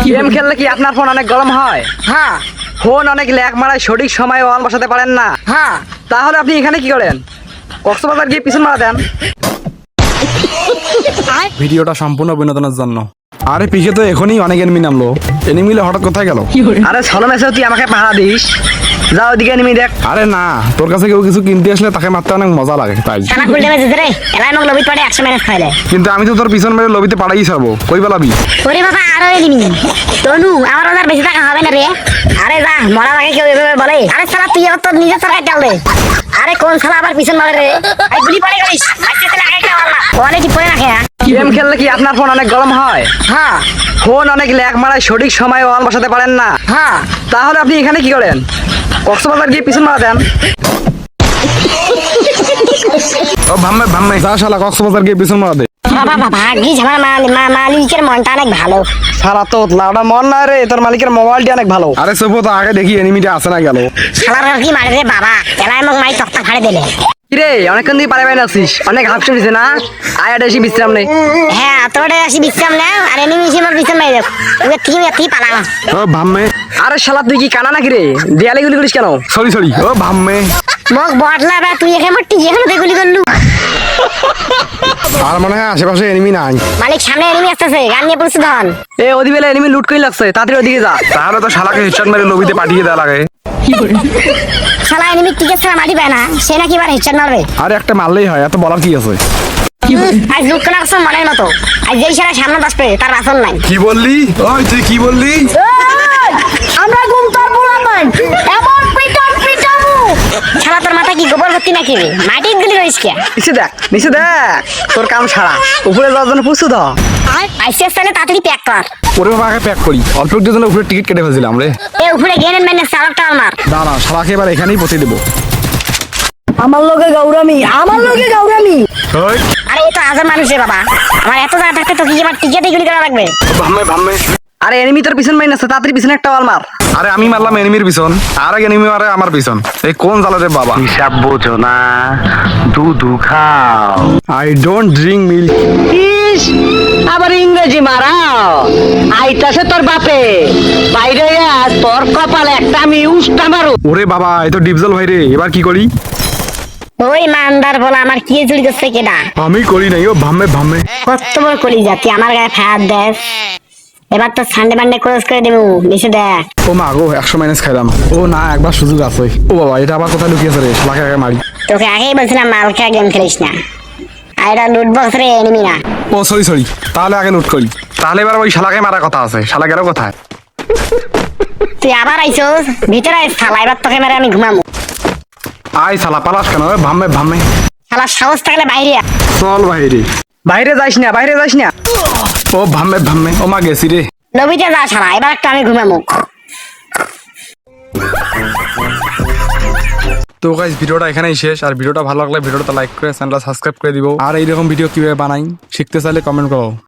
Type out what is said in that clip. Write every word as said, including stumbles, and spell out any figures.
Game খেললে কি আপনার ফোন অনেক গরম হয়? হ্যাঁ ফোন অনেক ল্যাগ মারায় সঠিক সময়ে অন বসাতে পারেন না, হ্যাঁ তাহলে আপনি এখানে কি করেন? কক্সবাজার গিয়ে পিছন মারা দেন। ভিডিওটা সম্পূর্ণ বিনোদনের জন্য। আরে পিকে তো এখনই অনেক এনিমি নামলো, এনিমিলে হঠাৎ কোথায় গেল? আরে ছলো মেসেও তুই আমাকে পাহারা দিস, যা ওদিকে নিমি দেখ। আরে না, তোর কাছে কেউ কিছু কিনতে আসলে তাকে মারতে অনেক মজা লাগে তাই। সানা ফুল ড্যামেজ দিতে রে এলাই মগ লবিত পড়ে একশো ম্যানেজ খাইলে। কিন্তু আমি তো তোর পিছন মেরে লবিতে পাড়াই ছাড়বো, কই বেলাবি? ওরে বাবা আরো এলিমি তনু আমার আর বেশি টাকা হবে না রে। আরে যা মরার আগে কেউ এভাবে বলে? আরে শালা তুই আবার তোর নিজের সরকার চাল দে। আরে কোন শালা আবার পিছন মারে রে? আই গুলি পড়ে গেলিস আজকে তাহলে আগে কে মারলা কোয়ালিটি পড়ে রাখে। গেম খেললে কি আপনার ফোন অনেক গরম হয়? হ্যাঁ ফোন অনেক ল্যাগ মারায় সঠিক সময়ে অন বসাতে পারেন না, হ্যাঁ তাহলে আপনি এখানে কি করেন? কক্সবাজার গিয়ে পিছন মারা দেন। ও ভাম্মে ভাম্মে যা শালা কক্সবাজার গিয়ে পিছন মারা দে। বাবা বাবা ভাগ্যিস আমার মাল- মা- মালিকের মনটা অনেক ভালো। সারা তো লাউডা মন না রে, তোর মালিকের মোবাইলটি অনেক ভালো। আরে সবো তো আগে দেখি এনিমিটা আসে না গেল। শালার আর কি মারে রে বাবা এলাই মগ মাই তক্তা ফাড়ে দিলে। কিরে অনেকক্ষণ দিয়ে পারে বাইরে আছিস, অনেক হাফ দিছে না? আয় আর এসে বিশ্রাম নেই। হ্যাঁ তোরে আসি বিশ্রাম নে আর এনিমি এসে আমার বিশ্রাম নাই দেখ ওকে ঠিক আছে ঠিক পালা। ও ভাম্মে আরে শালা তুই কি কানা নাকি রে? দেয়ালে গুলি করিস কেন? সরি সরি ও ভাম্মে। মগ বটলা বা তুই এখানে মরটি যেখানে দেখলি করলু। আর মনে হয় আশেপাশে এনিমি নাই। মালিক সামনে এনিমি আসতেছে গান নিয়ে পড়ছে ধন। এ ওদি বেলা এনিমি লুট করে লাগছে, তাড়াতাড়ি ওদিকে যা। তাহলে তো শালাকে হেডশট মেরে লবিতে পাঠিয়ে দেওয়া লাগে। শালা এনিমি টিকে ছাড়া মাটি পায় না, সে নাকি এবার হেডশট মারবে। আরে একটা মারলেই হয়, এত বলার কি আছে? আজ লুট করে আসছে মনের মতো, আজ যেই শালা সামনে আসবে তার বাসন নাই। কি বললি? ওই তুই কি বললি? আমরা ঘুম তোর বলা নাই এমন পিটন পিটাবো। শালা তোর মাথা কি গোবর ভর্তি নাকি রে? মাটি গুলি রইস কে? নিচে দেখ নিচে দেখ, তোর কাম সারা। উপরে যাওয়ার জন্য প্রস্তুত হ। আইসিএস তাহলে তাড়াতাড়ি প্যাক কর। ওরে বাবা আগে প্যাক করি, অল্প একটু জন্য উপরে টিকিট কেটে ফেলছিলাম রে। এ উপরে গেনেন মেনে চালকটা আমার। দাঁড়া শালাকে এবার এখানেই পৌঁছে দেবো। আমার লোকে গৌরামি, আমার লোকে গৌরামি। ওই আরে এ তো হাজার মানুষ রে বাবা, আমার এত জায়গা থাকতে তো কি আমার টিকেট গুলি করা লাগবে। ভাম্মে ভাম্মে। আরে এনিমি তোর পিছন মাইন আছে, তাড়াতাড়ি পিছনে একটা ওয়াল মার। আরে আমি মারলাম এনিমির পিছন, আর এক এনিমি মারে আমার পিছন। এই কোন জ্বালা রে বাবা? হিসাব বোঝো না, দুধু খাও। I don't drink milk. ইস, আবার ইংরেজি মারাও। আইতাছে তোর বাপে বাইরে আয়, তোর কপালে একটা আমি উস্তা মারু। ওরে বাবা এই তো ডিপজল ভাই রে, এবার কি করি? ওই মানদার বলা আমার কি চুরি করছে কেডা? আমি করি নাই, ও ভাম্মে ভাম্মে। কত বড় কলি যাতি আমার গায়ে ফায়ার দেশ। এবার তো সানডে মানডে ক্রস করে দেবো নিচে দেখ। ও মা গো একশো মাইনাস খাইলাম। ও না একবার সুযোগ আছে। ও বাবা এটা আবার কোথায় লুকিয়েছে রে? শালাকে আগে মারি। তোকে আগেই বলছিলাম মালকা গেম খেলিস না, আর এটা লুট বক্স রে এনিমি না। ও সরি সরি, তাহলে আগে লুট করি। তাহলে এবার ওই শালাকে মারা কথা আছে। শালা গেল কোথায়? তুই আবার আইছস ভিতরে আইস শালা, এবার তোকে মেরে আমি ঘুমাবো। আই শালা পালাস কেন? ওই ভাম্মে ভাম্মে। শালা সাহস থাকলে বাইরে আয়। চল ভাই রে। বাইরে যাইস না, বাইরে যাইস না। ও ভাম্মে ভাম্মে। ও মা গেছি রে। লবিতে যা শালা, এবার একটা আমি ঘুমাবো। তো গাইস ভিডিওটা এখানেই শেষ। আর ভিডিওটা ভালো লাগলে ভিডিওটা লাইক করে চ্যানেলটা সাবস্ক্রাইব করে দিবো। আর এইরকম ভিডিও কিভাবে বানাই শিখতে চাইলে কমেন্ট করো।